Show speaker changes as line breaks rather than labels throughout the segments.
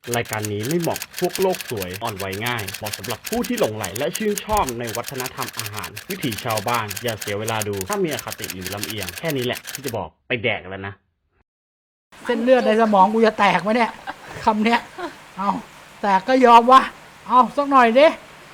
รายการนี้ไม่เหมาะพวกโลกสวยอ่อนไหวง่ายเหมาะสำหรับผู้ที่หลงใหลและชื่นชอบในวัฒนธรรมอาหารวิถีชาวบ้านอย่าเสียเวลาดูถ้ามีอคติหรือลำเอียงแค่นี้แหละที่จะบอกไปแดกแล้วนะ
เส้นเลือดในสมองกูจะแตกไหมเนี่ยคำเนี้ยเอาแตกก็ยอมวะเอาสักหน่อยดิ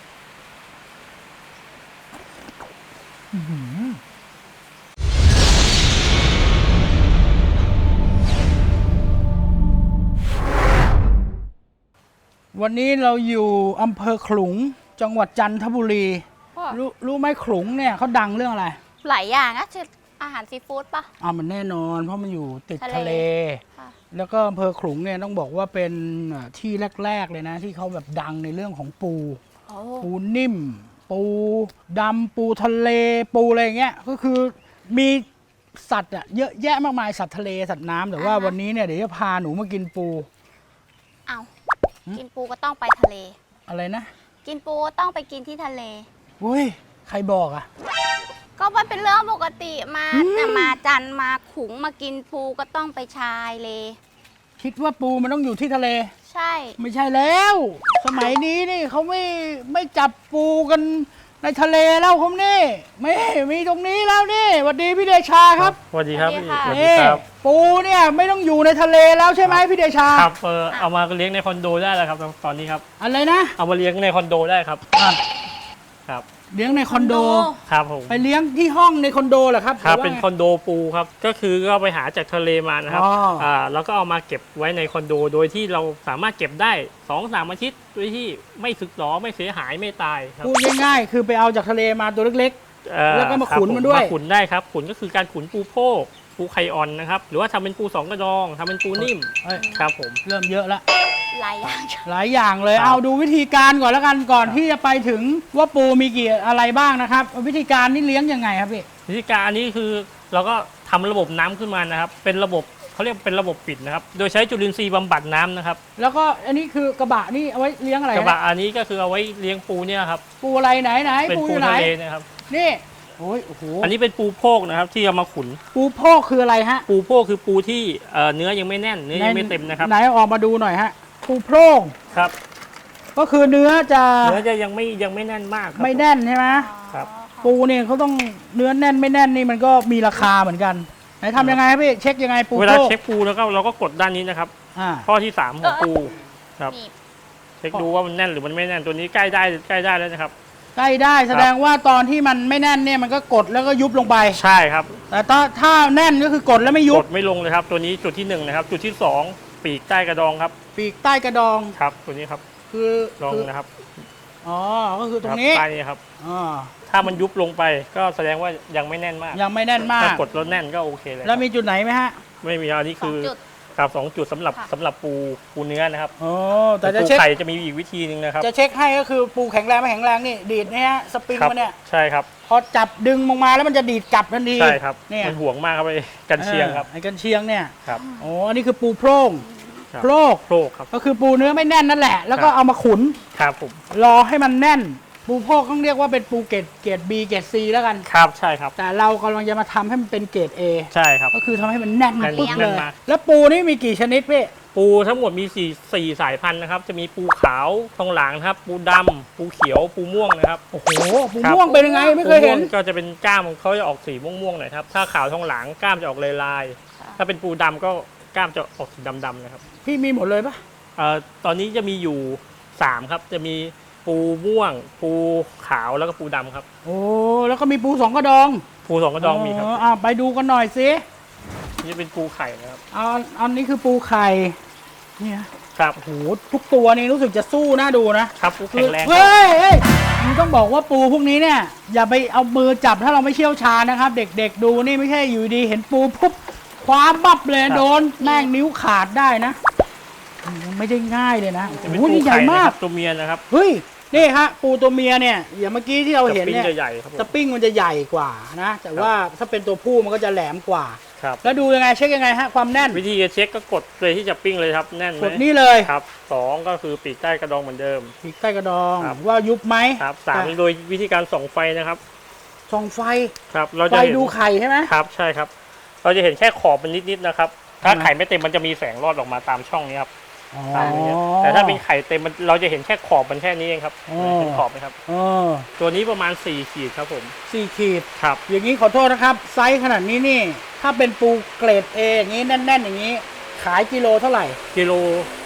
วันนี้เราอยู่อำเภอขลุงจังหวัดจันทบุรีรู้ไหมขลุงเนี่ยเขาดังเรื่องอะไร
หลายอย่างนะชื่ออาหารซีฟู้ดปะ
มันแน่นอนเพราะมันอยู่ติดทะเลแล้วก็อำเภอขลุงเนี่ยต้องบอกว่าเป็นที่แรกๆเลยนะที่เขาแบบดังในเรื่องของปูนิ่มปูดำปูทะเลปูอะไรเงี้ยก็คือมีสัตว์เยอะแยะมากมายสัตว์ทะเลสัตว์น้ำแต่ว่าวันนี้เนี่ยเดี๋ยวจะพาหนูมากินปู
เอากินปูก็ต้องไปทะเล
อะไรนะ
กินปูก็ต้องไปกินที่ทะเล
อุ้ยใครบอกอ่ะ
ก็มันเป็นเรื่องปกติมาจันมาขุงมากินปูก็ต้องไปชายเล
คิดว่าปูมันต้องอยู่ที่ทะเล
ใช่
ไม่ใช่แล้วสมัยนี้นี่เขาไม่จับปูกันในทะเลแล้วผมนี่ไม่มีตรงนี้แล้วนี่สวัสดีพี่เดชาครับ
สวัสดีครับพี่
สวัสดีครับปูเนี่ยไม่ต้องอยู่ในทะเลแล้วใช่ไหมพี่เดชา
ครับเอามาเลี้ยงในคอนโดได้แล้วครับตอนนี้ครับ
อะไรนะ
เอามาเลี้ยงในคอนโดได้ครับครับ
เลี้ยงในคอนโด
ครับผม
ไปเลี้ยงที่ห้องในคอนโดเหรอครับ
ครับเป็นคอนโดปูครับก็คือก็ไปหาจากทะเลมานะครับแล้วก็เอามาเก็บไว้ในคอนโดโดยที่เราสามารถเก็บได้ 2-3 อาทิตย์โดยที่ไม่สึกหรอไม่เสียหายไม่ตายครับ
พูดง่ายๆคือไปเอาจากทะเลมาตัวเล็กๆแล้วก็มาขุนมันด้วย
มาขุนได้ครับขุนก็คือการขุนปูโพกปูไข่อ่อนนะครับหรือว่าทำเป็นปูสองกระดองทำเป็นปูนิ่มครับผม
เริ่มเยอะแล้ว
หลาย
อย่างเลยเอาดูวิธีการก่อนแล้วกันก่อนที่จะไปถึงว่าปูมีกี่อะไรบ้างนะครับวิธีการนี่เลี้ยงยังไงครับพี่
วิธีการอันนี้คือเราก็ทำระบบน้ำขึ้นมานะครับเป็นระบบเขาเรียกเป็นระบบปิดนะครับโดยใช้จุลินทรีย์บำบัดน้ำนะครับ
แล้วก็อันนี้คือกระบะนี่เอาไว้เลี้ยงอะไร
กระบะอันนี้ก็คือเอาไว้เลี้ยงปูเนี่ยครับ
ปูอะไรไหน
เป็นปูทะเลนะครับ
นี่โอ้โห
อันนี้เป็นปูโพกนะครับที่เอามาขุน
ปูโพกคืออะไรฮะ
ปูโพกคือปูที่เนื้อยังไม่แน่นเนื้อยังไม่เต็มนะครับ
ไหนออกมาดูหน่อยฮะปูโพก
ครับ
ก็คือเนื้อจะ
ยังไม่แน่นมาก
ไม่แน่นใช่ไหม
ครับ
ปูเนี่ยเขาต้องเนื้อแน่นไม่แน่นนี่มันก็มีราคาเหมือนกันไหนทำยังไงครับพี่เช็คยังไงปู
เวลาเช็คปูแล้วก็เราก็กดด้านนี้นะครับข้อที่3ของปูครับเช็คดูว่ามันแน่นหรือมันไม่แน่นตัวนี้ใกล้ได้แล้วนะครับ
ใกล้ได้แสดงว่าตอนที่มันไม่แน่นเนี่ยมันก็กดแล้วก็ยุบลงไป
ใช่ครับ
แต่ถ้าแน่นก็คือกดแล้วไม่ยุบ
กดไม่ลงเลยครับตัวนี้จุดที่1นะครับจุดที่2ปีกใต้กระดองครับ
ปีกใต้กระดอง
ครับตัวนี้ครับ
คือ
ลองนะครับ
ก็คือตรงนี้
ใต้นี้ครับถ้ามันยุบลงไปก็แสดงว่ายังไม่แน่นมาก
ยังไม่แน่นมาก
ถ้ากดแล้วแน่นก็โอเคเลย
แล้วมีจุดไหนไหมฮะ
ไม่มีอันนี้คือครับ2 จุดสำหรับปูเนื้อนะครับ
แต่จะเช็ค
ไข่จะมีอีกวิธีนึงนะครับ
จะเช็คให้ก็คือปูแข็งแรงไม่แข็งแรงนี่ดีดเนี่ยสปริงมันเนี่ย
ใช่ครับ
พอจับดึงลงมาแล้วมันจะดีดกลับทันที
ใช่ครับมันห่วงมากครับไอ้กันเชียงครับ
ไอ้กันเชียงเนี่ย
ครับ
อันนี้คือปูโพร่งโพร่ง
ครับ
ก็คือปูเนื้อไม่แน่นนั่นแหละแล้วก็เอามาขุน
ครับผม
รอให้มันแน่นปูโพกต้องเรียกว่าเป็นปูเกรด B เกรด C แล้วกัน
ครับใช่ครับ
แต่เรากำลังจะมาทำให้มันเป็นเกรด A
ใช่ครับ
ก็คือทำให้มันแน่นปึ๊บเลยแล้วปูนี่มีกี่ชนิดพี่
ปูทั้งหมดมี4 สายพันธุ์นะครับจะมีปูขาวทองหลางครับปูดำปูเขียวปูม่วงนะครับ
โอ้โหปูม่วงเป็นยังไงไม่เคยเห็น
ก็จะเป็นก้ามเขาจะออกสีม่วงๆหน่อยครับถ้าขาวทองหลางก้ามจะออกลายๆถ้าเป็นปูดำก็ก้ามจะออกสีดำๆนะครับ
พี่มีหมดเลยปะ
ตอนนี้จะมีอยู่3ครับจะมีปูม่วงปูขาวแล้วก็ปูดำครับ
แล้วก็มีปู2 กระดอง
ปู2 กระดองมีครับ
ไปดูกันหน่อยสิ
นี่เป็นปูไข่นะครับ
อันนี้คือปูไข่เนี่ย
ครับ
โหทุกตัวนี่รู้สึกจะสู้น่าดู
นะครับปูแข็งแรง
เฮ้ยมึงต้องบอกว่าปูพวกนี้เนี่ยอย่าไปเอามือจับถ้าเราไม่เชี่ยวชาญนะครับเด็กๆดูนี่ไม่ใช่อยู่ดีเห็นปูปุ๊บคว้าบับเลยโดนแม่งนิ้วขาดได้นะไม่ได้ง่ายเลยนะ
โอ้โหนี่ใหญ่มากตัวเมียนะครับ
เฮ้ยนี่ฮะปูตัวเมียเนี่ยอย่างเมื่อกี้ที่เราเห็นเนี่ย
ส
ปริงมันจะใหญ่กว่านะแต่ว่าถ้าเป็นตัวผู้มันก็จะแหลมกว่า
ครับ
แล้วดูยังไงเช็คยังไงฮะความแน่น
วิธีเช็คก็กดเลยที่จะปิ้งเลยครับแน่นไหม
กดนี่เลย
ครับ2ก็คือปีกใต้กระดองเหมือนเดิม
ปีกใต้กระดองว่ายุบไหม
ครับ3โดยวิธีการส่องไฟนะครับ
ส่องไฟ
ครับเราจะ
ดูไข่ใช่ไหม
ครับใช่ครับเราจะเห็นแค่ขอบมันนิดๆนะครับถ้าไข่ไม่เต็มมันจะมีแสงรอดออกมาตามช่องนี้ครับ
อ๋อ
ตามอย่างเงี้ยแต่ถ้าเป็นไข่เต็มเราจะเห็นแค่ขอบมันแค่นี้เองครับเห็นขอบไหมครับ
เออ
ตัวนี้ประมาณ4 ขีดครับผม
4 ขีด
ครับ
อย่างนี้ขอโทษนะครับ ไซส์ขนาดนี้นี่ ถ้าเป็นปูเกรด A อย่างนี้แน่นๆอย่างนี้ ขายกิโลเท่าไหร่
กิโล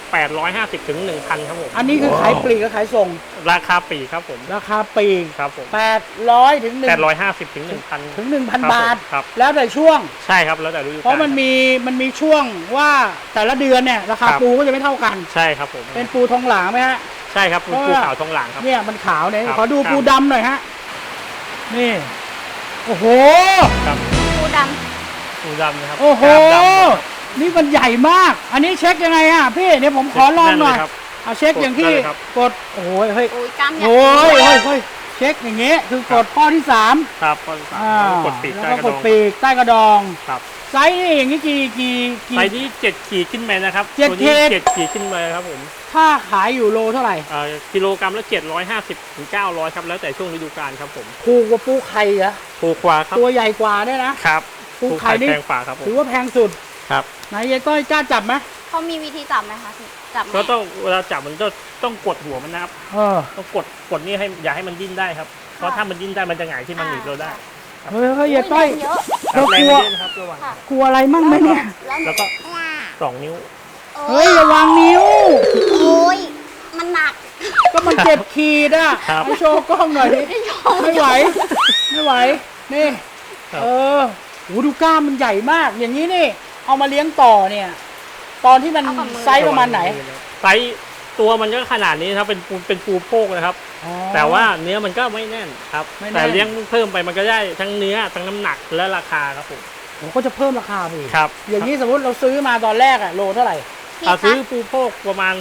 850 ถึง 1,000 ครับผม
อันนี้คือขายปลีกกับขายส่ง
ราคาปลีกครับผม
ราคาปลีก
ครับผม
800 ถึง
850 ถึง 1,000
ถึง 1,000 บาท
ครับ
แล้วแต่ช่วง
ใช่ครับแล้วแต่ฤดูกาล
เพราะมันมีช่วงว่าแต่ละเดือนเนี่ยราคา
ครับ
ปูก็จะไม่เท่ากัน
ใช่ครับผม
เป็นปูทองหลางไหมฮะ
ใช่ครับ
เพราะ
ปู
ว่า
ขาวทองหลางครับ
เนี่ยมันขาวเนี่ย
ครับ
ขอดู
ครับ
ปูดำหน่อยฮะ นี่ โอ้โห
ครับ
ปูด
ปูดำนะครับ
โอ้โห
กล้ามดำนะครับ
นี่มันใหญ่มาก อันนี้เช็คยังไงอ่ะพี่เดี๋ยวผมขอลองหน่อย
นั่นเลยครับ
เอาเช็คอย่างที่
กดได้เลยครับ
กด โอ้โหเฮ้ย
ำอุ้ยกล้ามใหญ่
โอ้ยเฮ้ยเช็คอย่างเงี้ยคือกดข้อที่3
ครับก็กดปีก
แล้ว
ใต้
ก็
กระ
ก
ด
ด
อง
ปีกใต้กระดอง
ครับ
ไซส์นี่อย่างนี้กี่
ไซส์นี้7 ขีดขึ้นไปนะครับ
7
ตัวนี้
ขีด
7 ขีดขึ้นไปครับผม
ถ้าขายอยู่โลเท่าไหร่
กิโลกรัมละ750 ถึง 900 ครับแล้วแต่ช่วงฤดูกาลครับผม
ถูกกว่าปูไข่เหรอ
ถูกกว่าครับ
ตัวใหญ่กว่าเนี่ยนะ
ครับ
ปูไข่นี่
แพงกว่าครับผม
ถือว่าแพงสุด
ครับ
ไหนยายต้อยกล้าจับไหม
เขามีวิธีจับไหมคะพี่จับไหม
ก็ต้องเวลาจับมันต้องกดหัวมันนะครับ
เออ
ต้องกดนี่ให้อย่าให้มันดิ้นได้ครับเพราะถ้ามันดิ้นได้มันจะหงายที่มันหนีบเราได้
เฮ้ยยายต้อย
เยอะ
ครั
เรา
บแร
ก
ง
ลัว
มันเยอะนะครับระวัง
ค่ะ
กลัวอะไรมั่งไหมเนี่ย
แล้วก็2 นิ้ว
เฮ้ยระวังนิ้ว
โอ้ยมันหนัก
ก็มันเจ็บขีดอ่ะ
ครับ
ให้โชว์กล้องหน่อยดิไม่ไหว ไม่ไหว นี่
ครับ
เออโหดูกล้ามมันใหญ่มาก อย่างนี้นี่ เอามาเลี้ยงต่อเนี่ย ตอนที่มัน
เอากับมือ
ไซส์ประมาณไหน
ไซส์ตัวมันก็ขนาดนี้นะครับเป็นปูโพกนะครับ
อ๋อ
แต่ว่าเนื้อมันก็ไม่แน่นครับ
ไม่แน่น
แต่เลี้ยงเพิ่มไปมันก็ได้ทั้งเนื้อทั้งน้ำหนักและราคาครับผม
ผมก็จะเพิ่มราคาไปอีก
ครับ
อย่างนี้สมมติเราซื้อมาตอนแรกอะโลเท่าไหร่
พี่
ซื้อ
คะ
ปูโพกประมาณ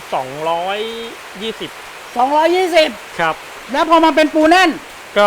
220
220
ครับ
แล้วพอมาเป็นปูแน่น
ก็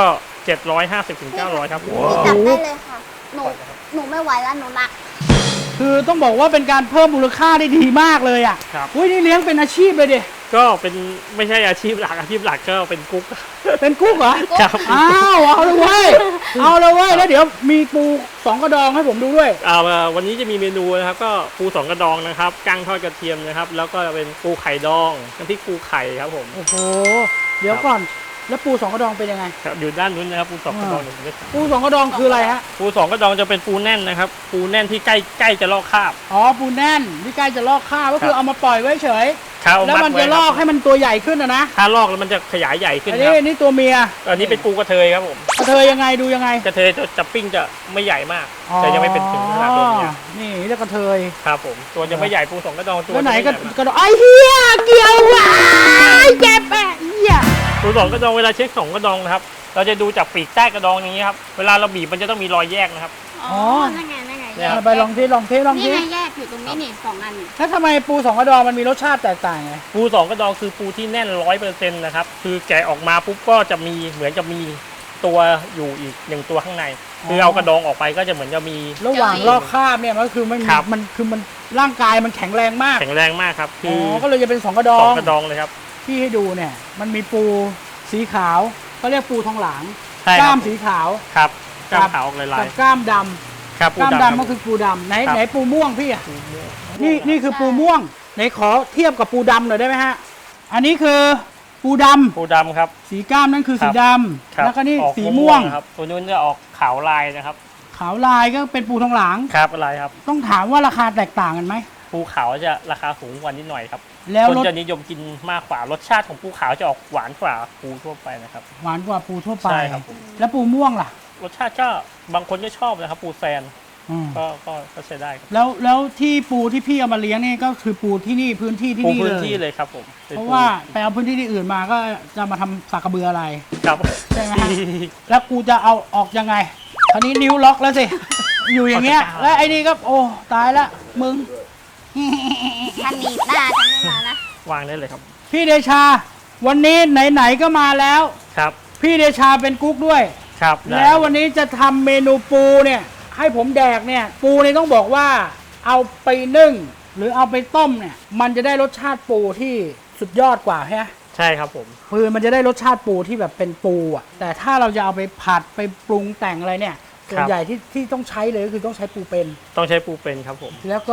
750 ถึง 900 ครับ
พี่จับได้เลยค่ะ หนูไม่ไหวแล้วหนูหนัก
คือต้องบอกว่าเป็นการเพิ่มมูลค่าได้ดีมากเลยอ่ะ
ครับ
อุ้ยนี่เลี้ยงเป็นอาชีพเลยดิ
ก็เป็นไม่ใช่อาชีพหลักก็เป็นกุ๊ก
เป็นกุ๊กเหรอ
ครับ
อ้าวเอาเลยเว้ย เอาเลยเว้ย แล้วเดี๋ยวมีปู2กระดองให้ผมดูด้วย
วันนี้จะมีเมนูนะครับก็ปู2 กระดองนะครับกั้งทอดกระเทียมนะครับแล้วก็เป็นปูไข่ดองน้ำพริกปูไข่ครับผม
โอ้โห เดี๋ยวก่อน แล้วปู2กระดองเป็นยังไง
ครับอยู่ด้านนู้นนะครับปู2 กระดองหนึ่งเม็ด
ปู2กระดองคืออะไรฮะ
ปู2 กระดองจะเป็นปูแน่นนะครับปูแน่นที่ใกล้จะลอกคราบ
อ๋อ ปูแน่นที่ใกล้จะลอกข้าวก็คือ
ครับ
เอามาปล่อยไว้เฉย
ครับ
แล้วมันจะลอกให้มันตัวใหญ่ขึ้นนะ
ถ้าลอกแล้วมันจะขยายใหญ่ขึ้น
อัน
ค
นี้
รับ
อันนี้ตัวเมีย
อันนี้เป็นปูกระเทยครับผม
กระเทยยังไงดูยังไง
กระเทยจะปิ้งจะไม่ใหญ่มากแต่ยังไม่เป็นถึงขนาดตัวเนี้ย
นี่เรียกกระเทย
ครับผมตัวยังไม่ใหญ่ปู2 กระดองตัว
แล้วไหน
จะม่
กระ
ใญ่มาก
กระดองไอ้เหี้ยเกี่ยวว่ะเจ็บแปะเหี้ย
ปู2 กระดองเวลาเช็ค2 กระดองนะครับเราจะดูจากปีกใต้กระดองอย่างนี้ครับเวลาเราบีบมันจะต้องมีรอยแยกนะครับ
อ๋อ นั่นไง นั่นไง
เนี่ย
ไปลองที่ลองที่
นี่ไงแยกอยู่ตรงนี้นี่2 อันนี่
แล้วทำไมปู2กระดองมันมีรสชาติแตกต่างไง
ปู2 กระดองคือปูที่แน่น 100%นะครับคือแกะออกมาปุ๊บก็จะมีเหมือนจะมีตัวอยู่อีก1 ตัวข้างในคือเอากระดองออกไปก็จะเหมือนจะมี
ระหว่างลอกคราบเนี่ยมันก็คือมัน
ครับ
มันคือมันร่างกายมันแข็งแรงมาก
แข็งแรงมากครับคื
อ๋
อ
อก็เลยจะเป็น2กระดอ
ส
ง
องกระดองเลยครับ
ที่ให้ดูเนี่ย มันมีปูสีขาวเขาเรียกปูทองหลาง
ใช่
ก
ค
ล้า
รั
ม
บ
สีขาว
ครับกล้า
ครั
ม
บ
ขาวออกลาย
กับกล้ามด
ๆครับ
ำ
ปู
กล้าม
ดำ
ดำก็คือปูดำไหน
ครับ
ไหนปูม่วงพี่อะนี่คือปูม่วงไหนขอเทียบกับปูดำหน่อยได้ไหมฮะอันนี้คือปูดำ
ปูดำครับ
สีกล้ามนั่นคือสีดำ
ครับ
แล้วก็นี่
ออก
สีม่วง
ครับตัวนู้นจะออกขาวลายนะครับ
ขาวลายก็เป็นปูทองหลาง
ครับอะไรครับ
ต้องถามว่าราคาแตกต่างกันไหม
ปูขาวจะราคาสูงกว่านิดหน่อยครับ
แล้ว
คน
รส
จะนิยมกินมากกว่ารสชาติของปูขาวจะออกหวานกว่าปูทั่วไปนะครับ
หวานกว่าปูทั่วไป
ใช่ครับผม
แล้วปูม่วงล่ะ
รสชาติก็บางคนก็ชอบนะครับ ปูแซน
อืม
ก็ใช้ได้ครับ
แล้วที่ปูที่พี่เอามาเลี้ยงนี่ก็คือปูที่นี่พื้นที่ที่
ปู
นี่
พื้น
เลย
ที่เลยครับผมป็น
เพราะ
ปู
ว่าไปเอาพื้นที่ที่อื่นมาก็จะมาทำสากกระเบืออะไร
ครับ
ใช่ไหมฮะ แล้วกูจะเอาออกยังไงคราวนี้นิ้วล็อกแล้วสิ อยู่อย่างเงี้ย แล้วไอ้นี่ก็โอ้ตายละมึง
ถ้าหนีบหน้าฉันไม่มานะ
วางได้เลยครับ
พี่เดชา วันนี้ไหนๆก็มาแล้ว
ครับ
พี่เดชาเป็นกุ๊กด้วย
ครับได้
แล้ววันนี้จะทำเมนูปูเนี่ย ให้ผมแดกเนี่ย ปูเนี่ยต้องบอกว่าเอาไปนึ่ง หรือเอาไปต้มเนี่ย มันจะได้รสชาติปูที่สุดยอดกว่าใช่ไหม
ใช่ครับผม
คือมันจะได้รสชาติปูที่แบบเป็นปูอ่ะ แต่ถ้าเราจะเอาไปผัดไปปรุงแต่งอะไรเนี่ยส่วนใหญ่ที่ต้องใช้เลยก็คือต้องใช้ปูเป็น
ต้องใช้ปูเป็นครับผม
แล้วก็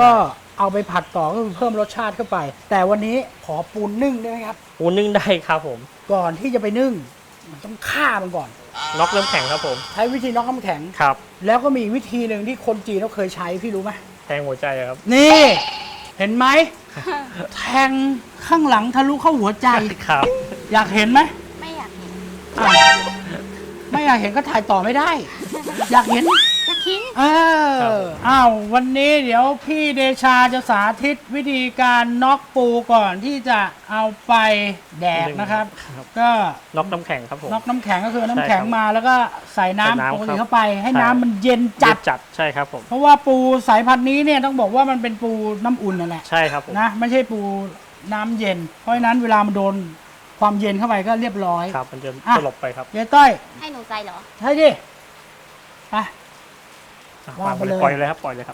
เอาไปผัดต่อก็คือเพิ่มรสชาติเข้าไป แต่วันนี้ขอปูนึ่งได้ไหมครับ
ปูนึ่งได้ครับผม
ก่อนที่จะไปนึ่งมันต้องฆ่ามันก่อน
น็อกน้ำแข็งครับผม
ใช้วิธีน็อกน้ำแข็ง
ครับ
แล้วก็มีอีกวิธีหนึ่งที่คนจีนเขาเคยใช้พี่รู้ไหม
แทงหัวใจครับ
นี่ เห็นไหม แทงข้างหลังทะลุเข้าหัวใจ
ครับ
อยากเห็นไหม
ไม่อยากเห็น
อ่ะไม่อยากเห็นก็ถ่ายต่อไม่ได้ อยากเห็น
จะทิ้ง
อ้าววันนี้เดี๋ยวพี่เดชาจะสาธิตวิธีการน็อกปูก่อนที่จะเอาไปแดกนะครับ
ครับ
ก็
น็อกน้ำแข็งครับผม
น็อกน้ำแข็งก็คือน้ำ
ใช่
แข็ง
ครับ
มาแล้วก็ใส่น้ำ
ใส่น้ำ
ปก
ครั
ติ
บ
เข้าไป ให้
ใช่
น้ำมันเย็นจัด
จัดใช่ครับผม
เพราะว่าปูสายพันธุ์นี้เนี่ยต้องบอกว่ามันเป็นปูน้ำอุ่นนั่นแหละ
ใช่ครับผม
นะไม่ใช่ปูน้ำเย็น เพราะฉะนั้นเวลามันโดนความเย็นเข้าไปก็เรียบร้อย
ครับมันจะ
อ่ะ
สลบไปครับ
เย้ต้อย
ให้หนูใจเหรอ
ใช่ดิไป
อ่ะ
วางไปเลย
ปล่อยเลยครับปล่อยเลยครับ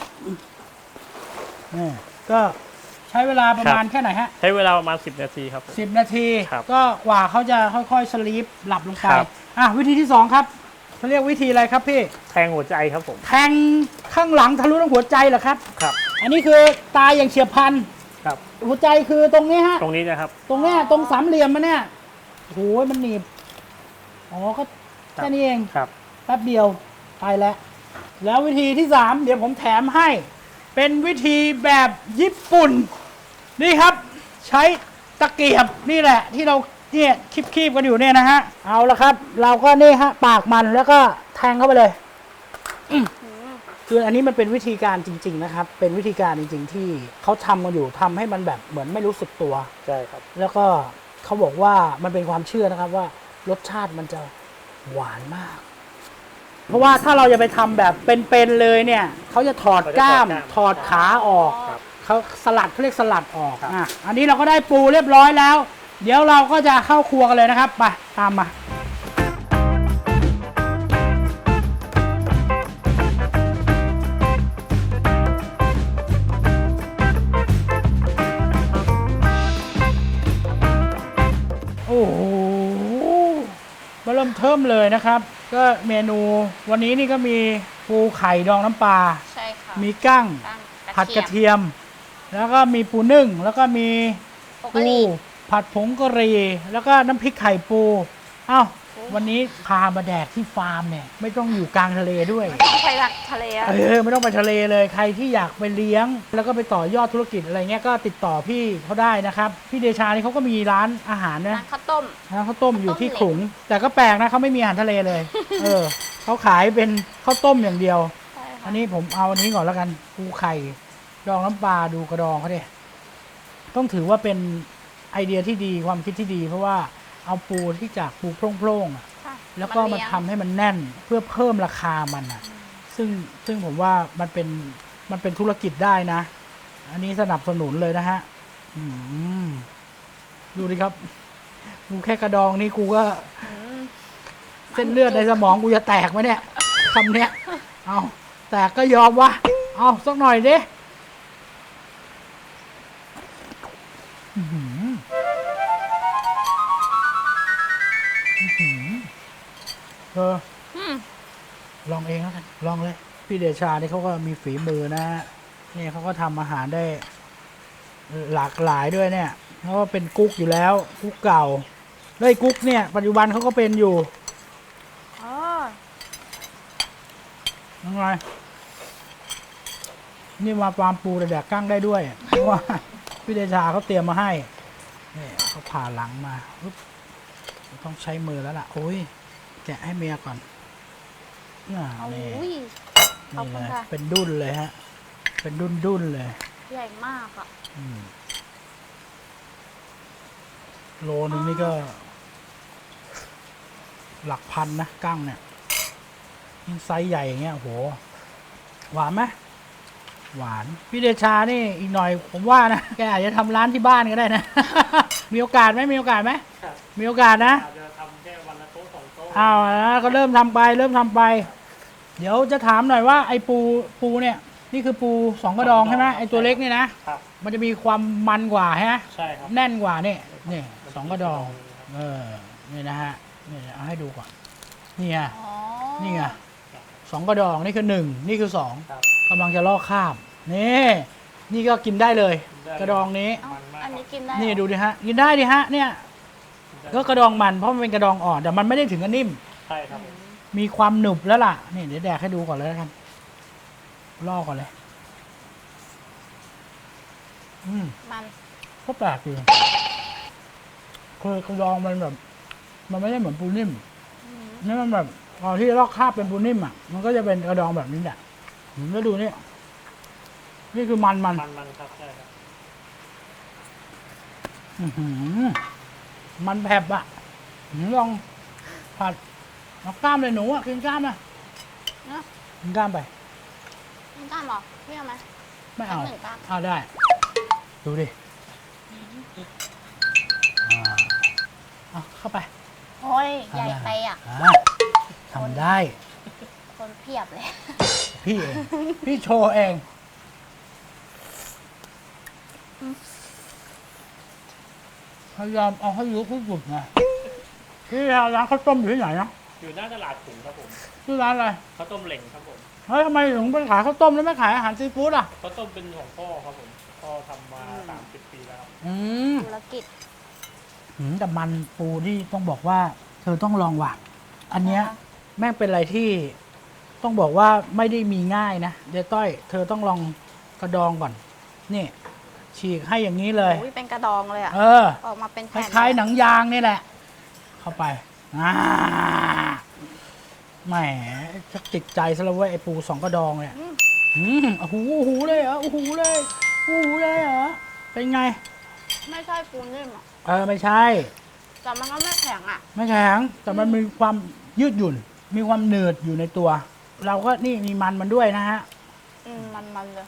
นี่ก็ใช้เวลาประมาณแค่ไหนฮะ
ใช้เวลาประมาณ10 นาทีครับผม
10 นาที
ครับ
ก็กว่าเขาจะค่อยๆสลีปหลับลงไป
ครับ
อ่ะวิธีที่ 2 ครับเขาเรียกวิธีอะไรครับพี่
แทงหัวใจครับผม
แทงข้างหลังทะลุทั้งหัวใจเหรอครับ
ครับ
อันนี้คือตายอย่างเฉียบพลัน
ครับ
หัวใจคือตรงนี้ฮะ
ตรงนี้นะครับ
ตรงเนี้ยตรงสามเหลี่ยมมันเนี่ยโอ้ยมันหนีบอ๋อก็แค่นี้เอง
ครับ
แป๊บเดียวไปแล้ว แล้ววิธีที่ 3 เดี๋ยวผมแถมให้ เป็นวิธีแบบญี่ปุ่น นี่ครับ ใช้ตะเกียบนี่แหละ ที่เราเนี่ยคีบๆกันอยู่เนี่ยนะฮะ เอาละครับ เราก็นี่ฮะปากมันแล้วก็แทงเข้าไปเลยคืออันนี้มันเป็นวิธีการจริง ๆ นะครับ เป็นวิธีการจริง ๆ ที่เขาทำกันอยู่ทำให้มันแบบเหมือนไม่รู้สึกตัว
ใช่ครับ
แล้วก็เขาบอกว่ามันเป็นความเชื่อนะครับว่ารสชาติมันจะหวานมาก เพราะว่าถ้าเราจะไปทำแบบเป็นๆเลยเนี่ยเขาจะถอดกล้าม ถอดขาออก
ครับ
เขาสลัดเขาเรียกสลัดออก
ครับ
อันนี้เราก็ได้ปูเรียบร้อยแล้ว เดี๋ยวเราก็จะเข้าครัวกันเลยนะครับไปตามมาโอ้โหมาเริ่มเทิมเลยนะครับ ก็เมนูวันนี้นี่ก็มีปูไข่ดองน้ำปลา
ใช่ค่ะ
มีกั้ง
ตั้ง
ผัดกระเทียม แล้วก็มีปูนึ่ง แล้วก็มี
ปก
ปู
ติ
ผัดผงกะหรี่แล้วก็น้ำพริกไข่ปูเอ้าวันนี้พามาแดกที่ฟาร์มเนี่ยไม่ต้องอยู่กลางทะเลด้วย
ต้องไปรักทะเลอะ
ไม่ต้องไปทะเลเลยใครที่อยากไปเลี้ยง แล้วก็ไปต่อยอดธุรกิจอะไรเงี้ยก็ติดต่อพี่เขาได้นะครับพี่เดชานี่เขาก็มีร้านอาหารนะ
ร้านข้าวต้ม
ร้านข้าวต้มอยู่ที่
ข้าวต้ม
ขลุง แต่ก็แปลกนะเขาไม่มีอาหารทะเลเลย เขาขายเป็นข้าวต้มอย่างเดียว
ใช่ค่ะ
อันนี้ผมเอาอันนี้ก่อนแล้วกันปูไข่ดองน้ำปลาดูกระดองเขาดิต้องถือว่าเป็นไอเดียที่ดีความคิดที่ดี เพราะว่าเอาปูที่จากปูโพร่งๆอะ
ค่ะ
แล้วก็มาทำให้มันแน่นเพื่อเพิ่มราคามันอ่ะ ซึ่งผมว่ามันเป็นธุรกิจได้นะ อันนี้สนับสนุนเลยนะฮะดูดิครับกูแค่กระดองนี่กูก็เส้นเลือดในสมองกูจะแตกไหมเนี่ยคำเนี้ยเอาแตกก็ยอมวะเอาสักหน่อยดิลองเองแล้วกันลองเลย พี่เดชานี่เขาก็มีฝีมือนะฮะนี่เขาก็ทำอาหารได้หลากหลายด้วยเนี่ยเขาก็เป็นกุ๊กอยู่แล้วกุ๊กเก่าแล้วไอ้กุ๊กเนี่ยปัจจุบันเขาก็เป็นอยู่
อ๋อ
ยังไงนี่มาฟาร์มปูแต่แดกกั้งได้ด้วยเพราะว่าพี่เดชาเขาเตรียมมาให้นี่เขาผ่าหลังมาปุ๊บต้องใช้มือแล้วล่ะโอ้ยแกะให้เมียก่อนนี่
โอ้
นี่
ย ขอบ
นี่
คุ
เล
ณ
ย
ค่ะ
เป็นดุ้นเลยฮะ เป็นดุ้นเลย
ใหญ่มากอ่ะ
โลนึงนี่ก็ หลักพันนะกั้งเนี่ยยิ่งไซส์ใหญ่อย่างเงี้ยโอ้โหหวานไหมหวานพี่เดชานี่อีกหน่อยผมว่านะแกอาจจะทำร้านที่บ้านก็ได้นะ มีโอกาสไหมมีโอกาสไหม
ครับ
มีโอกาสนะ
อาจจะทำแค่วันละโต๊ะ2 โต๊ะ
อ้าวนะก็เริ่มทำไปเริ่มทำไป เดี๋ยวจะถามหน่อยว่าไอ้ปูเนี่ย นี่คือปูสองกระดองใช่ไหมไอ้ตัวเล็กนี่นะครับ มันจะมีความมันกว่าใช่ไหม
ใช่ครับ
แน่นกว่านี่นี่สองกระดองนี่นะฮะนี่เอาให้ดูก่อนนี่ไง
อ๋อ
นี่ไงสองกระดองนี่คือ1นี่คือ2
ครับ
กำลังจะลอกคราบนี่นี่ก็กินได้เลย
ได้
กระดองนี้
เอ้าอันนี้กินได้
นี่
เหรอ
ดูดิฮะ กินได้ดิฮะ เนี่ย ก็กระดองมันเพราะมันเป็นกระดองอ่อนแต่มันไม่ได้ถึงกับนิ่ม
ใช่ครับ
มีความหนึบแล้วล่ะ นี่เดี๋ยวแดกให้ดูก่อนเลยแล้วกันล่อก่อนเลย
มัน
ก็แปลกดีคือกระดองมันแบบ มันไม่ได้เหมือนปูนิ่ม
อืม
นี่มันแบบพอที่ลอกคราบเป็นปูนิ่มอ่ะ มันก็จะเป็นกระดองแบบนี้แหละแล้วดูนี่นี่คือมัน
มันครับใช่ครับ
อื้อหือมันแผบอ่ะลองผัดเอากล้ามเลยหนูอ่ะกินกล้ามนะ
เนอะ
กินกล้ามไป
กินกล้ามเหรอพี่เอาไหม
ไม่เอา
สักหนึ่งกล้าม
เอาได้ ดูดิเอาเข้าไป
โอ้ยใหญ่ไปอ่ะ
ทำได้
คนเพียบเลย
พี่เอง พี่โชว์เอง พยายามเอาให้รู้ที่สุดนะพี่ร้านข้าวต้มอยู่ที่ไหนนะ
อยู่หน้าตลาดขุงครับผม
ชื่อร้านอะไร
ข้าวต้มเหล่งครับผม
เฮ้ยทำไมถึงไปขายข้าวต้มแล้วไม่ขายอาหารซีฟู้ดอ่ะ
ข้าวต้มเป็นของพ่อครับผมพ่อทำมา30 ปีแล้วครับ
อืม
ธุรกิจ
แต่มันปูที่ต้องบอกว่า เธอต้องลองว่ะ อันเนี้ย
นะคะ
แม่งเป็นอะไรที่ต้องบอกว่าไม่ได้มีง่ายนะเดี๋ยวต้อย เธอต้องลองกระดองก่อน นี่ ฉีกให้อย่างนี้เลย
อุ้ยเป็นกระดองเลยอ่ะ
เออ
ออกมาเป็น
ค
แผ่น
ล้ายๆหนังยางนี่แหละ เข้าไปแหมจะติดใจซะแล้วเว้ยไอ้ปูสองกระดองเนี่ยโอ้โหโอ้โหเลยเหรอโอ้โหเลยโอ้โหเลยเหรอเป็นไง
ไม่ใช่ปูนิ่มอ่ะ
ไม่ใช่
แต่มันก็ไม่แข็งอ่ะ
ไม่แข็งแต่มันมีความยืดหยุ่น มีความหนืดอยู่ในตัว เราก็นี่มีมันด้วยนะฮะ
มันเลย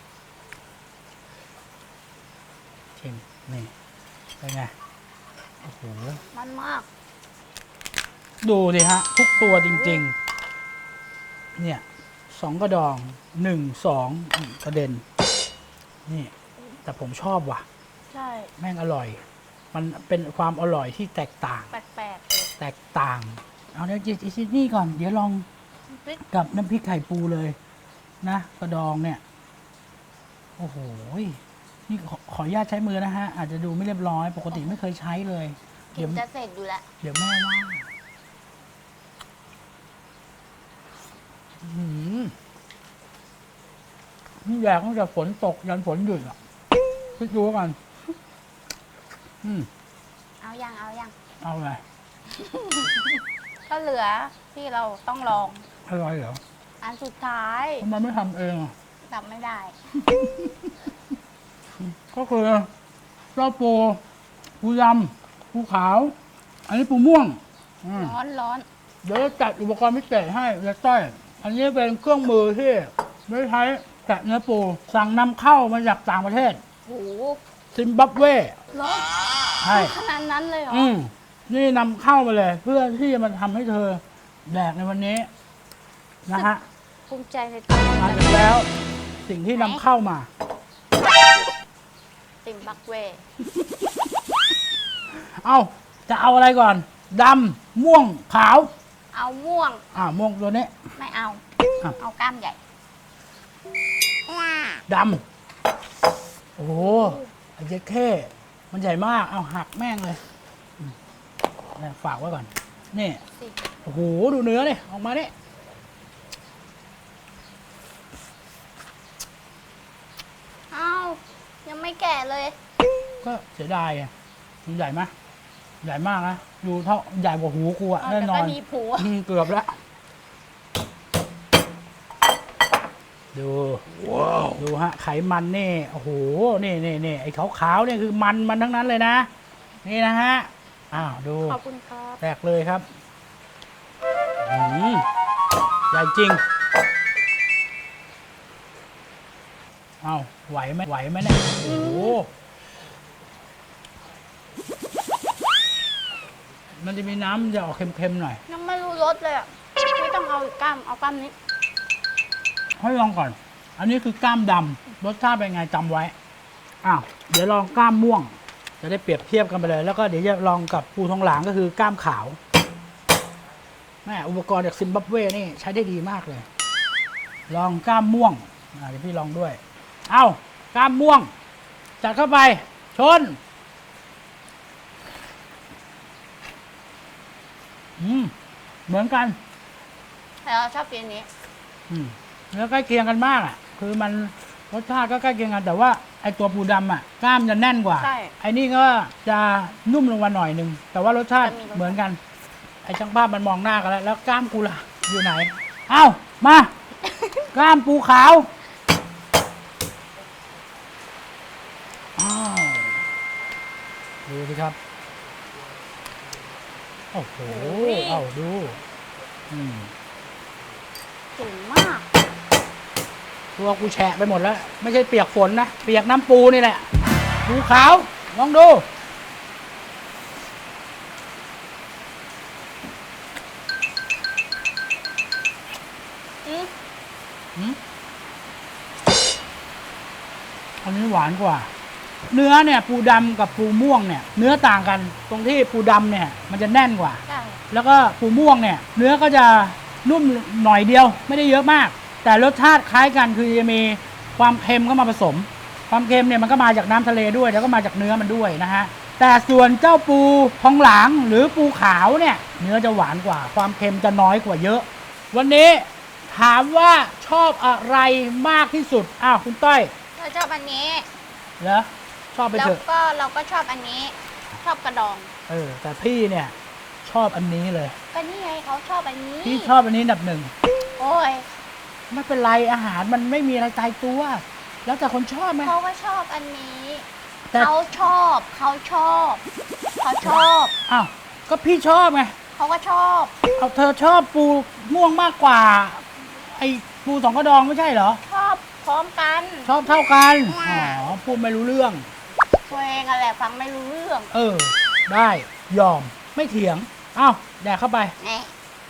ชิมนี่เป็นไงโอ้โห
มันมาก
ดูสิฮะ ทุกตัวจริงๆ เนี่ยสองกระดอง1 2กระเด็น นี่ แต่ผมชอบว่ะ
ใช่
แม่งอร่อย มันเป็นความอร่อยที่แตกต่าง
แปลกๆเลย
แตกต่าง เอาเดี๋ยวจินี่ก่อน เดี๋ยวลอง
พริก
กับน้ำพริกไข่ปูเลย นะกระดองเนี่ย โอ้โหนี่ขออนุญาตใช้มือนะฮะ อาจจะดูไม่เรียบร้อย ปกติไม่เคยใช้เลย
กิ
เดี๋ย
น
ว
จะเสร็จอยู่แล้ว
เดี๋ยวแม่ว่านี่แยกตั้งแต่ฝนตกยันฝนหยุดอ่ะคิดดูกัน
เอายัง
เอาไง
ก็เหลือที่เราต้องลอง
อร่อยเหรอ
อันสุดท้าย
ทำไมไม่ทำเองอ่ะ
ทำไม่ได้
ก็คือเจ้าปูดำปูขาว อันนี้ปูม่วง
ร้อน
เดี๋ยวจะจัดอุปกรณ์พิเศษให้เล็กต้อย อันนี้เป็นเครื่องมือที่ไม่ใช้แกะเนื้อปู สั่งนำเข้ามาจากต่างประเทศ
โห
ซิมบับเว
ร้อน
ใช่
ขนาดนั้นเลยเหรอ
นี่นำเข้ามาเลย เพื่อที่จะมาทำให้เธอแดกในวันนี้ นะฮะ
ภูมิใจในตัว
มาถึงแล้วสิ่งที่นำเข้ามา
ติมบักเว
เอาจะเอาอะไรก่อนดำม่วงขาว
เอาม่วง
ม่วงตัวนี้
ไม่เอา
อ่ะ
เอากล้ามใหญ่
ดำโอ้โหไอ้เจ๊แค่มันใหญ่มาก เอาหักแม่งเลยเนี่ยฝากไว้ก่อน นี่
สิ
โอ้โห ดูเนื้อดิออกมาดิ
เอายังไม่แก่เลย
ก็เสียดายอ่ะมันใหญ่ไหมใหญ่มากนะดูเท่าใหญ่กว่าหูกูอะ
เอา
แน่
แต่
นอ
ก็
น
มีผัว
เกือบแล้ว ดูดูฮะ ไขมันนี่โอ้โหนี่ไอ้ขาวๆเนี่ยคือมันทั้งนั้นเลยนะ นี่นะฮะ อ้าวดู
ขอบคุณครับ
แตกเลยครับใหญ่จริงเอาไหวไหมเนี่ยโอ้โหมันจะมีน้ำจะออกเค็มๆหน่อย
ยังไม่รู้รสเลยอ่ะ ไม่ต้องเอาอีกกล้าม เอากล้ามนี้
ให้ลองก่อน อันนี้คือกล้ามดำรสชาติเป็นไงจำไว้ อ้าว เดี๋ยวลองกล้ามม่วง จะได้เปรียบเทียบกันไปเลย แล้วก็เดี๋ยวจะลองกับปูทองหลางก็คือกล้ามขาวแม่อุปกรณ์จากซิมบับเวนี่ใช้ได้ดีมากเลย ลองกล้ามม่วงเดี๋ยวพี่ลองด้วย เอ้ากล้ามม่วง จัดเข้าไป ชน เหมือนกัน
แต่เราชอบกินอันนี้
แล้วใกล้เคียงกันมากอ่ะ คือมันรสชาติก็ใกล้เคียงกันแต่ว่าไอตัวปูดำอ่ะกล้ามจะแน่นกว่า
ใช่
ไอนี่ก็จะนุ่มลงมาหน่อยนึงแต่ว่ารสชาติ
จะมีรส
เหมือนกัน ไอช่างภาพมันมองหน้ากันแล้วกล้ามกูล่ะอยู่ไหน เอ้ามา กล้ามปูขาวอ้าวดูสิครับโอ้โหเอาดู
ถึงมาก
ตัวกูแฉะไปหมดแล้ว ไม่ใช่เปียกฝนนะ เปียกน้ำปูนี่แหละ ปูขาว ลองดู อันนี้หวานกว่า เนื้อเนี่ยปูดำกับปูม่วงเนี่ย เนื้อต่างกัน ตรงที่ปูดำเนี่ย มันจะแน่นกว่า
ใช่
แล้วก็ปูม่วงเนี่ย เนื้อก็จะนุ่มหน่อยเดียว ไม่ได้เยอะมาก แต่รสชาติคล้ายกันคือจะมีความเค็มก็มาผสม ความเค็มเนี่ยมันก็มาจากน้ำทะเลด้วยแล้วก็มาจากเนื้อมันด้วยนะฮะแต่ส่วนเจ้าปูทองหลางหรือปูขาวเนี่ย เนื้อจะหวานกว่า ความเค็มจะน้อยกว่าเยอะ วันนี้ถามว่าชอบอะไรมากที่สุดอ้าวคุณต้อย
เราชอบอันนี้
เหรอชอบไป
แล้ว
เถอะ
ก็เราก็ชอบอันนี้ ชอบกระดอง
แต่พี่เนี่ยชอบอันนี้เลย
ก็นี่ไงเขาชอบอันนี้
พี่ชอบอันนี้อันดับหนึ่ง
โอ้ย
ไม่เป็นไรอาหารมันไม่มีอะไรตายตัว แล้วแต่คนชอบไหม
เขาก็ชอบอันนี้
แต่
เขาชอบ เขาชอบ เขาชอบ
อ้าวก็พี่ชอบไง
เขาก็ชอบ
เอาเธอชอบปูม่วงมากกว่า ไอ้ปูสองกระดองไม่ใช่เหรอ
ชอบพร้อมกัน
ชอบเท่ากันอ๋อพูดไม่รู้เรื่อง
ตัวเองอะไรฟังไม่รู้เรื่อง
ได้ยอมไม่เถียงอ้าวแดกเข้าไป
แน่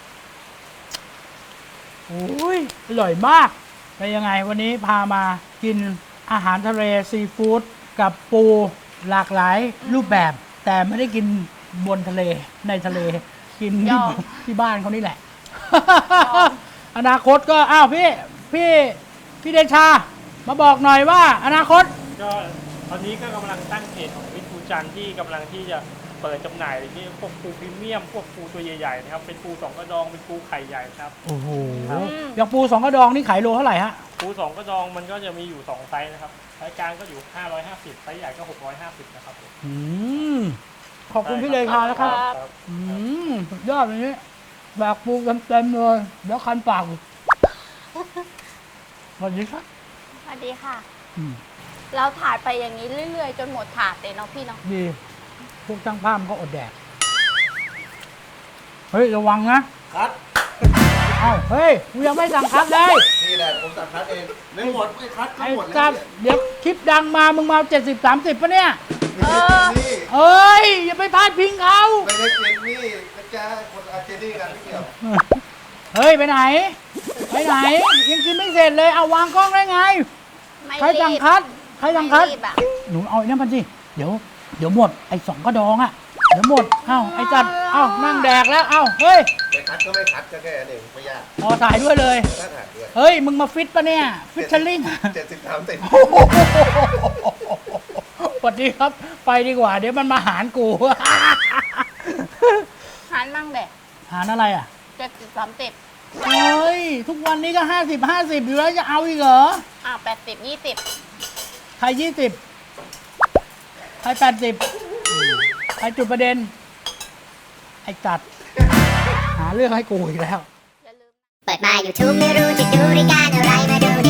โอ้ยอร่อยมากเป็นยังไงวันนี้พามากินอาหารทะเลซีฟู้ดกับปูหลากหลายรูปแบบ แต่ไม่ได้กินบนทะเลในทะเลกินที่บ้านเขานี่แหละ อนาคตก็อ้าวพี่เดชา มาบอกหน่อยว่าอนาคต
ก็ตอนนี้ก็กำลังตั้งเพจของวิทูจันทร์ที่กำลังที่จะเปิดจำหน่ายที่พวกปูพรีเมียมพวกปูตัวใหญ่ๆนะครับเป็นปูสองกระดองเป็นปูไข่ใหญ่ครับ
โอ้โหอย่างปูสองกระดองนี่ขายโลเท่าไหร่ฮะ
ปูสองกระดองมันก็จะมีอยู่2ไซส์นะครับไซส์กลางก็อยู่550ไซส์ใหญ่ก็650นะครับผม
ขอบคุณพี่เดชานะครับสุดยอดเลยนี่แบกปูเต็มๆเลยเดี๋ยวคันปากสวัสดีครับ
สวัสดีค่ะ เราถาดไปอย่างนี้เรื่อยๆ จนหมดถาดเลยเนาะพี่เนาะ
ดีพวกช่างภาพก็อดแดกเฮ้ยระวังนะ
คัด
เอ้าเฮ้ยกูยังไม่สั่งคัดเลย
นี่แหละผมสั่งคัดเองไม่หมดไม่คัดก็
ไอ้
หมดแล้
จั
ว
ดเดี๋ยวคลิปดังมามึงมา70-30ปะเนี่ย
นี่
เอ้ยอย่าไปพลาดพิงเขา
ไม่ได้เจนนี่นะจ๊ะคนอาเจนี่กันไม่เกี่ยว
เฮ้ยไปไหนยังกินไม่เสร็จเลยเอาวางกล้องได้ไง
ไม่
ใคร
รี
สั่ง
บ
คัดใครสั่งคัด
ไม่รีบอะ
หนูเอาไอ้นั่นพันสิเดี๋ยวหมดไอ้สองกระดองอะเดี๋ยวหมดเอ้าไอ้จัดเอ้านั่งแดกแล้วเอ้าเฮ้ย
ไม่คัดก็ไม่คัดก็แค่นั้นเองไม่ยาก
พอถ่ายด้วยเลย
ถ้าถ่ายด้วย
เฮ้ยมึงมาฟิตปะเนี่ยฟิชเชอร์ลิง
70-30
สวัสดีครับไปดีกว่า เดี๋ยวมันมาหารกู
หันมั่งแดก
หารอะไรอ่ะ
70-30
เฮ้ยทุกวันนี้ก็50-50อยู่แล้วจะเอาอีกเหรอ
80-20
ใคร20ใคร80ใครจุดประเด็น ไอ้จัด หาเรื่องให้กูอีกแล้ว
อย่าลืม
เปิดมา YouTube ไม่รู้จะดูรายการอะไรมาดูดิ